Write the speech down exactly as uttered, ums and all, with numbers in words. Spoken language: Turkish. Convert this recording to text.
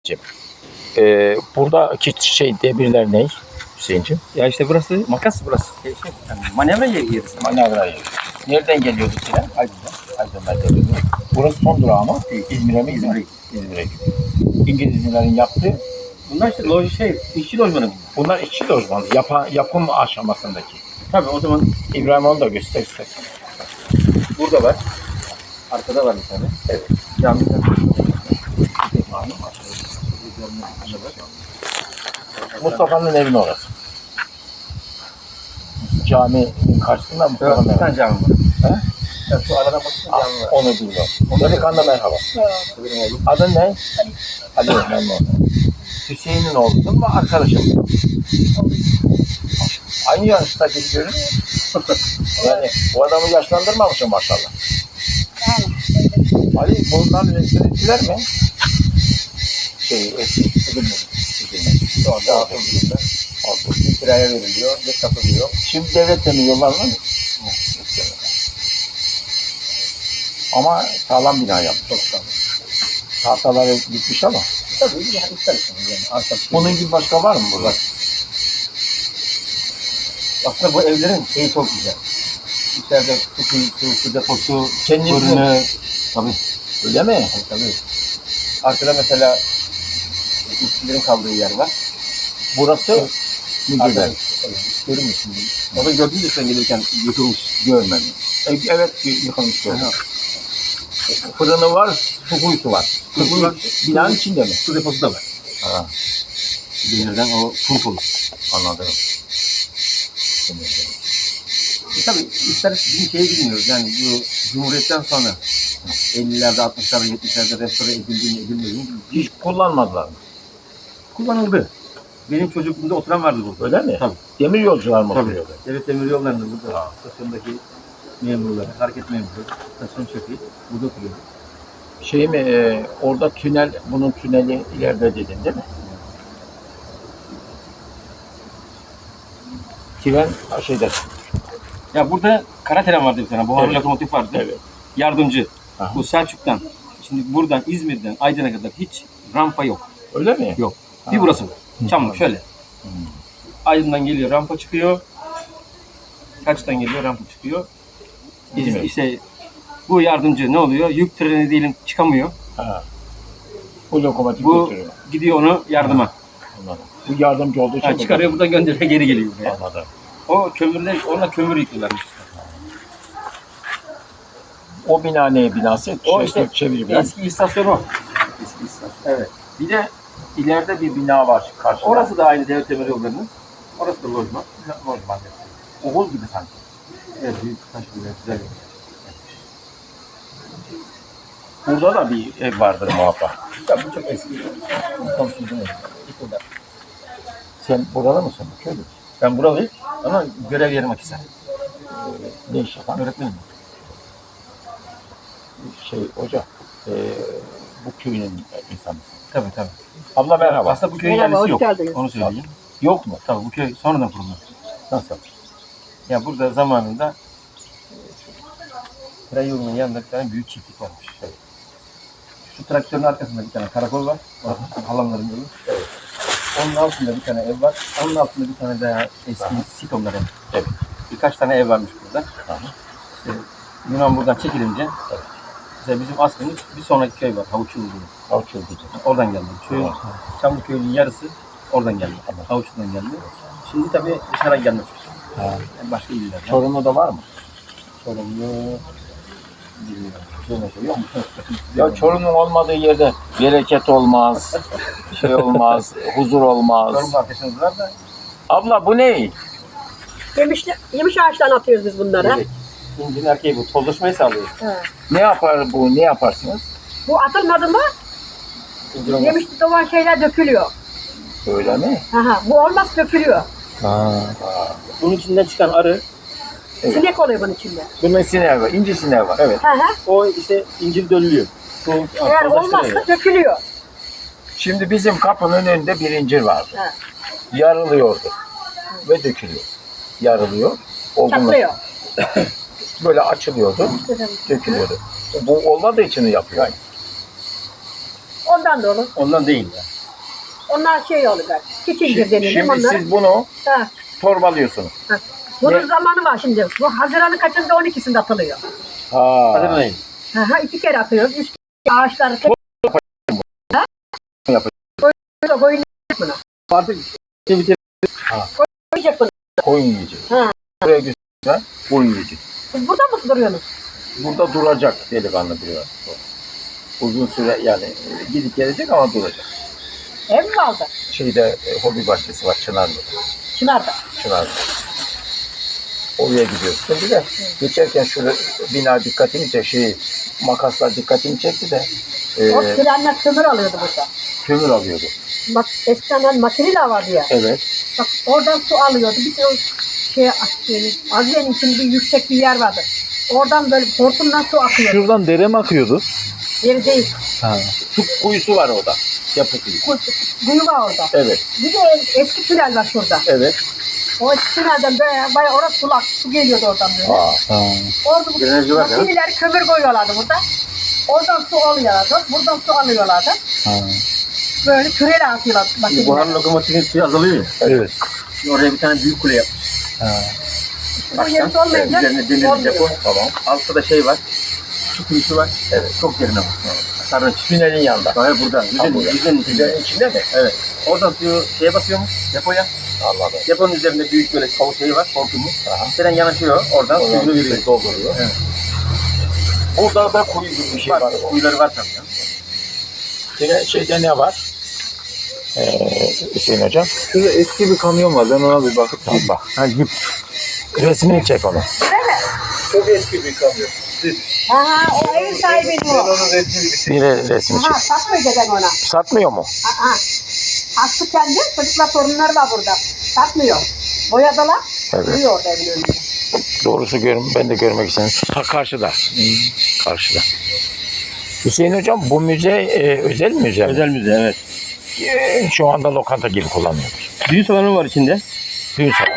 Ee, buradaki şey demirler ne Hüseyin'ciğim? Ya işte burası makas burası. Şey, şey, yani manevra yeri yeri. Manavra yeri. Nereden geliyordu Sinan? Aydın'da. Aydın'dan geliyordu. Burası son durağı mı? İzmir'e mi? İzmir'e. İzmir'e gidiyor. İngilizlerin yaptığı. Bunlar işte loj şey, işçi lojmanı bunlar. Bunlar işçi lojmanı. Yapa, yapım aşamasındaki. Tabii o zaman İbrahim onu da göster istersen. burada var. Arkada var bir tane. Evet. Camiden. Mustafa'nın evinin orası. Caminin karşısında Mustafa'nın Bir evi. tane cami var. He? Ya şu aradan bakınca Ah, cami var. onu bilmiyorum. Delikanlı merhaba. Benim oğlum. Adın ne? Ali. Ali memnun oldum. Hüseyin'in oğlusun mu arkadaşım? Aynı yaşta gibi görünüyor. Yani bu adamı yaşlandırmamışım maşallah. Ali bundan resimlettiler mi? Şey, edilmedi. Şu anda altı yılında. Altı yılında kiraya veriliyor, ne satılıyor. Şimdi devlet de mi yollarına mı? Ama sağlam bina yapmış. Çok sağlam. Tahtaları gitmiş ama. Tabii yani ister istemez yani. Arka Bunun gibi başka var mı burada? Aslında bu evlerin şeyi çok güzel. İçeride su kuyusu, su deposu, Kendiniz fırını. Tabii. Öyle mi? Tabii tabii. Arkada mesela işçilerin kaldığı yer var. Burası müdürler. Evet, görür müsün? Orada gördün mü sen gelirken yıkılmış, görmedim. E, Evet, yıkılmış böyle. Fırını var, su kuyusu var. Su kuyu binanın içinde mi? Su deposu da var. Ha, Demirden o pumpolu. anladım. E tabii ister bizim şeye bilmiyoruz yani bu Cumhuriyet'ten sonra ellilerde, altmışlarda, yetmişlerde restore edildiğini, edilmediğini Hiç kullanmadılar mı? kullanıldı. Benim çocukluğumda oturan vardı burada. Öyle mi? Tabii. Demir yolcular mı Tabii. oturuyordu? Devlet demir yollarında burada stasyondaki memurları, hareket memuru, stasyon şefi burada oturuyor. Şey mi, e, orada tünel, bunun tüneli ileride dedin değil mi? Tren şeyde. Ya burada kara tren vardı bir tane, buharlı Evet. lokomotif vardı. Evet. Yardımcı. Aha. Bu Selçuk'tan, şimdi buradan İzmir'den Aydın'a kadar hiç rampa yok. Öyle mi? Yok. Ha. Bir burası var. Çamlık şöyle. Hmm. Aydın'dan geliyor, rampa çıkıyor. Selçuk'tan geliyor, rampa çıkıyor. Biz İzmir. işte bu yardımcı ne oluyor? Yük treni diyelim çıkamıyor. Ha. Bu lokomotif Bu götürüyor. gidiyor onu yardıma. Anladım. Bu yardımcı olduğu için Ha, çıkarıyor buradan gönderiyor, geri geliyor buraya. Anladım. O kömürler, onunla kömür yıkıyorlarmış. O bina ne binası? O Şey, işte çeviri bina. eski istasyon o. Eski istasyon. Evet. Bir de ileride bir bina var karşıda. Orası da aynı devlet demir yollarının. Orası da lojman. Lojman. Oğul gibi sanki. Evet, büyük taş gibi güzel. Burada da bir ev vardır muhakkak. Ya bu çok eski. Komşumuzun evi. Yıkıldı. Sen buralı mısın? Köylü. Ben buralıyım ama görev yerim Akhisar. Ne iş yapan? Öğretmenim. Şey hoca. E, bu köyün insanı. Tabii tabii. Abla merhaba. Aslında bu köyün Merhaba, yerlisi hoş yok. geldiniz. Onu söyleyeyim. Yok mu? Tabii bu köy sonradan kuruldu. Nasıl? Ya burada zamanında tren yolunun yanında bir tane büyük çiftlik varmış. Evet. Şu traktörün arkasında bir tane karakol var. Orası halamların yolu. Evet. Onun altında bir tane ev var. Onun altında bir tane daha eski sitomlar ev. Evet. Birkaç tane ev varmış burada. Aha. İşte Yunan buradan çekilince Evet. mesela bizim aslımız bir sonraki köy var. Havuçlu diye. Avçıl diyecek. Oradan geldi. Köyün, Evet. Çamlı köyünün yarısı oradan geldi. Evet. Havuçlu'dan geldi. Şimdi tabii dışarıdan gelmiş. Ha. Yani başka illerden. Çorumlu'da var mı? Çorumlu bilmiyorum. Şöyle şey yok mu? Ya Çorum'un olmadığı yerde bereket olmaz, şey olmaz, huzur olmaz. Çorum arkadaşınız var da Abla bu ne? Yemiş, yemiş ağaçtan atıyoruz biz bunları. evet. İncin erkeği bu. Tozlaşmayı sağlıyor. He. Ne yapar bu? Ne yaparsınız? Bu atılmadı mı İncin olmaz. yemiş olan şeyler dökülüyor. Öyle mi? Aha, bu olmaz dökülüyor. Ha. Bunun içinden çıkan arı, Evet. Sinek oluyor bunun içinde. Bunun sineği var, ince sineği var. evet. Hı hı. O işte incil dönülüyor. Soğuk, Eğer olmazsa dökülüyor. Şimdi bizim kapının önünde bir incir vardı. He. Yarılıyordu ve dökülüyor. Yarılıyor, olgunlaşıyor. Çatlıyor. Böyle açılıyordu, dökülüyordu. Bu olmadığı için yapıyor. Ondan da olur. Ondan değil ya. Onlar şey oluyor. Çiçildir denilir Şimdi onlara. siz bunu Ha, torbalıyorsunuz. ha. Bunun Ne? zamanı var şimdi. Bu Haziran'ın kaçında on ikisinde atılıyor. Ha. Haziran ayı. Ha, ha, iki kere atıyoruz. Üç kere ağaçları tek koyuyor. Koyun buna. Artık şey bitir. Koyacak bunu. Koyun yiyecek. Ha. Buraya güzel koyun yiyecek. Siz burada mı duruyorsunuz? Burada duracak delikanlı biraz. Uzun süre yani e, gidip gelecek ama duracak. Ev mi kaldı? Şeyde e, hobi bahçesi var Çınarlı'da. Çınar'da. Çınarlı. Oraya gidiyoruz. Şimdi de geçerken şurada bina dikkatimi çekti. Şey, makaslar dikkatimi çekti de e, O trenler kömür alıyordu burada. kömür alıyordu. Bak eskiden makine de vardı ya. Evet. Bak oradan su alıyordu. Bir de o şey, şey Azize'nin için bir yüksek bir yer vardı. Oradan böyle hortumdan su akıyordu. Şuradan dere mi akıyordu? Yeri değil. Ha. Su kuyusu var orada. Yapı kuyu. Kuyu, kuyu var orada. Evet. Bir de eski tünel var şurada. Evet. O eski tünelden böyle bayağı orası sulak. Su geliyordu oradan böyle. Aa. Ha. Orada bu Drenajı var ya. makineler kömür koyuyorlardı burada. Oradan su alıyorlardı. Buradan su alıyorlardı. Ha. Böyle küreyle atıyorlar Şimdi makineler. buharın lokomotifin suyu azalıyor ya. Evet. Şimdi oraya bir tane büyük kule yapmış. Ha. Bu yeri olmayınca Üzerine demir bir olmuyor. depo. Tamam. Altta da şey var. Su kuyusu var. Evet. Çok derine var. Sarınç. Tünelin yanında. Hayır burada. Yüzenin, burada. yüzenin içinde. Tünelin içinde mi? Evet. Oradan suyu şeye basıyormuş. Depoya. Anladım. Deponun üzerinde büyük böyle kol şeyi var. Hortumu. Aha. Tren yanaşıyor. Oradan Oradan suyunu veriyor. suyu dolduruyor. Evet. Burada da kuyu gibi bir şey Var. var. Kuyuları var tabii. ya. Yine şeyde ne var? Ee, Hüseyin Hocam. Şurada eski bir kamyon var. Ben ona bir bakıp Tamam bak. Ha, yip. Resmini çek onu. Çok eski bir kamyon. Aha, o ev sahibinin o. onun resmini Bir re- resmi çek. Aha, satmıyor dedem ona. Satmıyor mu? Aha. Hastı kendi, çocuklar torunları var burada. Satmıyor. Boyadılar, Evet. duruyor orada evin önünde. Doğrusu gör, ben de görmek istedim. Ha karşıda. Karşıda. Hüseyin Hocam bu müze e, özel müze mi? Özel müze evet. E, şu anda lokanta gibi kullanıyoruz. Düğün salonu var içinde. Düğün salonu.